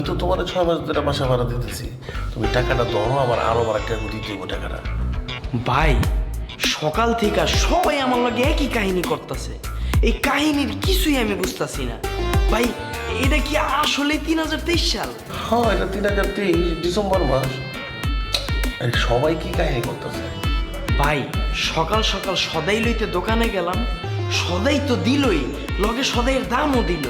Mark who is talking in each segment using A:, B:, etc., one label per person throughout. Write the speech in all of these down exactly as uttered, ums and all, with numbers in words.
A: তো তোমার ছয় মাস ধরে বাসা ভাড়া দিতেছি, তুমি টাকাটা ধরো, আমার আরো আমার একটা দিতে হইব টাকাটা।
B: ভাই সকাল থেকে সবাই আমার লগে একই কাহিনী করতেছে, এই কাহিনীর কিছুই আমি বুঝতেছি না। ভাই এটা কি আসলে তিন হাজার তেইশ সাল?
A: হ্যাঁ, এটা তিন হাজার তেইশ ডিসেম্বর মাস। আরে সবাই কি কাহিনী করতেছে?
B: ভাই সকাল সকাল সদাই লইতে দোকানে গেলাম, সদাই তো দিলই, লগে সদাইয়ের দামও দিল।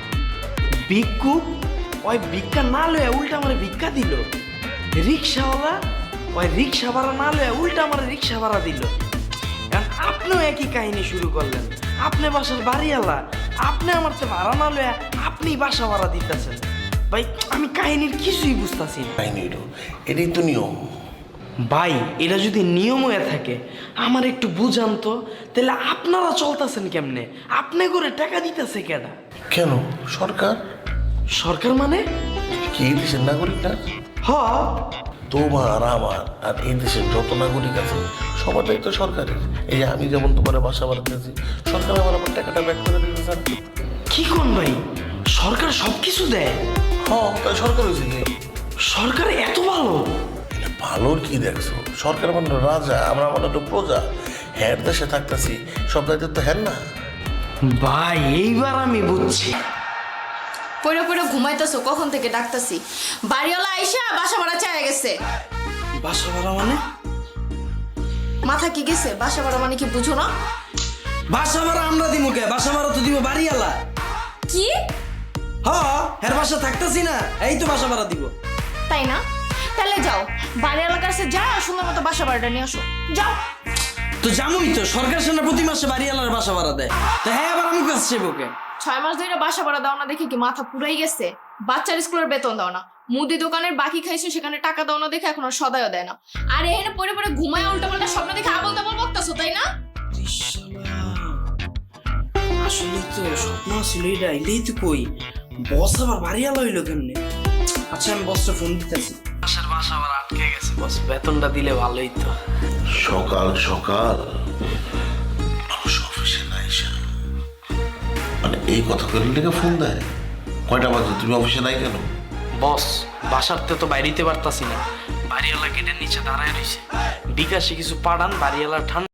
B: ভিক্ষুক ওই ভিক্ষা না লয়ে উল্টা আমার ভিক্ষা দিল। রিক্সাওয়ালা ওই রিক্সা ভাড়া না লয়ে উল্টা আমার রিক্সা ভাড়া দিল। এখন আপনিও একই কাহিনী শুরু করলেন, আপনি বাসার বাড়িওয়ালা, আপনি আমার তো ভাড়া না লয়ে আপনি বাসা ভাড়া দিতেছেন। ভাই আমি কাহিনীর কিছুই বুঝতেছি না।
A: কাহিনী হইল, এটাই তো নিয়ম।
B: ভাই এটা যদি নিয়ম হয়ে থাকে আমার একটু বুঝান তো, তাহলে আপনারা চলতেছেন কেমনে? আপনি করে টাকা দিতেছে কেডা?
A: কেন সরকার?
B: সরকার মানে?
A: কি এই দেশের নাগরিক না?
B: হ
A: তোমার আমার আর এই দেশের যত নাগরিক আছে সবার দায়িত্ব সরকারের। এই যে আমি যেমন তোমার বাসা ভাড়া দিয়েছি, সরকার আমার আমার টাকাটা ব্যাক করে দিতে চান।
B: কি কোন ভাই, সরকার সব কিছু দেয়?
A: হ্যাঁ, তাই সরকার হয়েছে কি?
B: সরকার এত ভালো?
A: এটা ভালোর কি দেখছো? সরকার মানে রাজা, আমরা মানে একটু প্রজা। হ্যাঁ দেশে থাকতেছি, সব দায়িত্ব তো হ্যাঁ না।
B: ভাই এইবার আমি বুঝছি।
C: পড়ে পড়ে ঘুমাইতেছো, কখন থেকে ডাকতেছি। বাড়িওয়ালা আইসা বাসা ভাড়া চাইয়া গেছে।
B: বাসা ভাড়া মানে?
C: মাথা কি গেছে? বাসা ভাড়া মানে কি বুঝো না?
B: বাসা ভাড়া আমরা দিব কে? বাসা ভাড়া তো দিব বাড়িওয়ালা।
C: কি?
B: হ এর বাসা থাকতেছি না, এই তো বাসা ভাড়া দিব।
C: তাই না? তাহলে যাও বাড়িওয়ালার কাছে যাও, সুন্দর মতো বাসা ভাড়াটা নিয়ে আসো। যাও।
B: তো জামুই তো, সরকার সেনা প্রতি মাসে বাড়িওয়ালার বাসা ভাড়া দেয়, তো হ্যাঁ আবার আমি কাছে চাইবো কে?
C: ছয় মাস ধরে বাসা ভাড়া দাও না দেখে কি মাথা পুরাই গেছে? বাচ্চার স্কুলের বেতন দাও না, মুদি দোকানের বাকি খাইছো সেখানে টাকা দাও না দেখে এখন আর সদাইও দেয় না। আর এখানে পড়ে পড়ে ঘুমায় উল্টা পাল্টা স্বপ্ন দেখে আবল তাবল বকতাছো, তাই না?
B: আসলে তো স্বপ্ন ছিল এটা, এটাই তো কই বস আবার বাড়িওয়ালা হইলো কেমনে? আচ্ছা আমি বসটা ফোন দিতেছি। বাসার বাসা আবার আটকে গেছে, বস বেতনটা দিলে ভালোই তো।
A: সকাল সকাল মানুষ অফিসে না এসে মানে এই কথা করে লেগে ফোন দেয়। কয়টা বাজে? তুমি অফিসে নাই কেন?
B: বস বাসারতে তো বাইরিতে পারতাছি না, বাড়িওয়ালা গেটের নিচে দাঁড়ায় রয়েছে। বিকাশে কিছু পাঠান, বাড়িওয়ালা ঠান্ডা